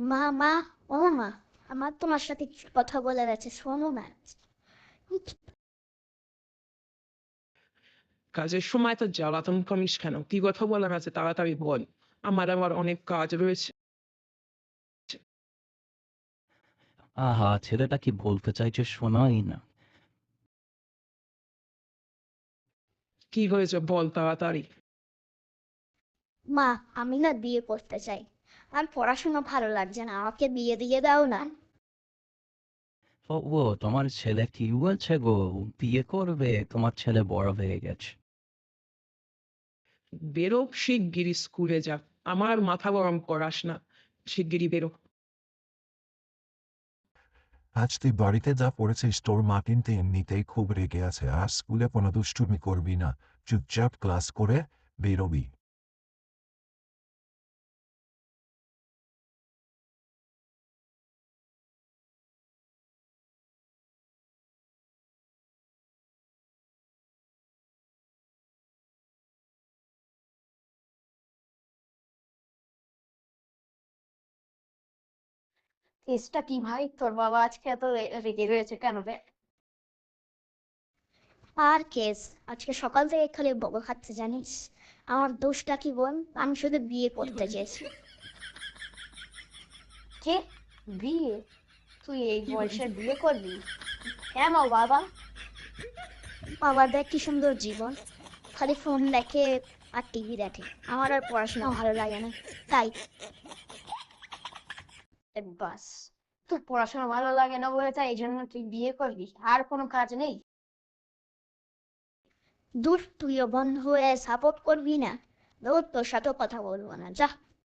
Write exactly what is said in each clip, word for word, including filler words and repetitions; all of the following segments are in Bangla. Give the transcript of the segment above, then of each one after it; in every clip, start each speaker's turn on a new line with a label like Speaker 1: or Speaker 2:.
Speaker 1: মা মা ও মা, আমার তোমার সাথে কিছু কথা বলার আছে, শোনো না।
Speaker 2: কাজের সময় তো জ্বালাতন করিস কেন? কি কথা বলার আছে তাড়াতাড়ি বল। আমার আবার অনেক কাজ রয়েছে।
Speaker 3: আহা, ছেলেটা কি বলতে চাইছে শোনাই না।
Speaker 2: কি হয়েছে বল তাড়াতাড়ি।
Speaker 1: মা, আমি না বিয়ে করতে চাই। আর পড়াশোনা ভালো লাগছে না, আমাকে বিয়ে দিয়ে দাও না।
Speaker 3: ও ও, তোমার ছেলে কি বলছে গো? বিয়ে করবে? তোমার ছেলে বড় হয়ে গেছে।
Speaker 2: বেরো শিগগিরই স্কুলে যা। আমার মাথা গরম করাস না। শিগগিরই বেরো।
Speaker 4: আজ তুই বাড়িতে যা পড়েছিস তোর মা কিন্তু এমনিতেই খুব রেগে আছে, আর স্কুলে কোনো দুষ্টুমি করবি না, চুপচাপ ক্লাস করে বেরোবি।
Speaker 5: কেসটা কি ভাই, তোর বাবা আজকে এত রে- রেগে রয়েছে কেন রে?
Speaker 1: আর কেস, আজকে সকাল থেকে খালি বকা খাচ্ছে জানিস। আমার দোষটা কি বল, আমি শুধু বিয়ে করতে চেয়েছি।
Speaker 5: কে? বিয়ে? তুই এই বয়সে বিয়ে করবি? কেন বাবা?
Speaker 1: বাবা দেখ কি সুন্দর জীবন, খালি ফোন দেখে আর টিভি দেখে, আমার আর পড়াশোনা ভালো লাগে না, তাই।
Speaker 5: এ বাস, তোর পড়াশোনা ভালো লাগে না বলে তাই এই জন্য তুই বিয়ে করবি? আর কোনো কাজ নেই?
Speaker 1: দূর, তুইও বন্ধ হয়ে সাপোর্ট করবি না। দূর, তোর সাথেও কথা বলবো না, যা।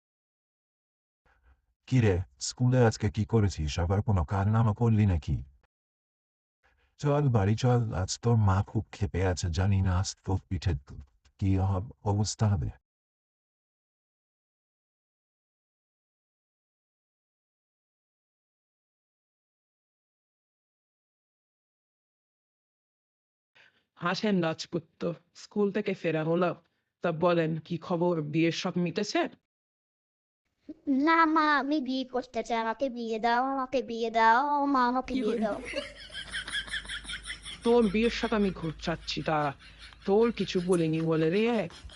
Speaker 4: কিরে, স্কুলে আজকে কি করেছিস? আবার কোনো কারনামা করলি নাকি? চল বাড়ি চল, আজ তোর মা খুব ক্ষেপে আছে, জানি না আজ তোর পিঠে কি হব- অবস্থা হবে।
Speaker 2: আসেন রাজপুত্র, স্কুল থেকে ফেরা হলো। তা বলেন কি খবর, বিয়ের সব মিটেছে?
Speaker 1: না মা, আমি বিয়ে করতে চাই, আমাকে বিয়ে দাও, আমাকে বিয়ে দাও, মা আমাকে বিয়ে দাও।
Speaker 2: তোর বিয়ের সাথে আমি ঘুরছাচ্ছি তা তোর কিছু বলিনি বলে রে।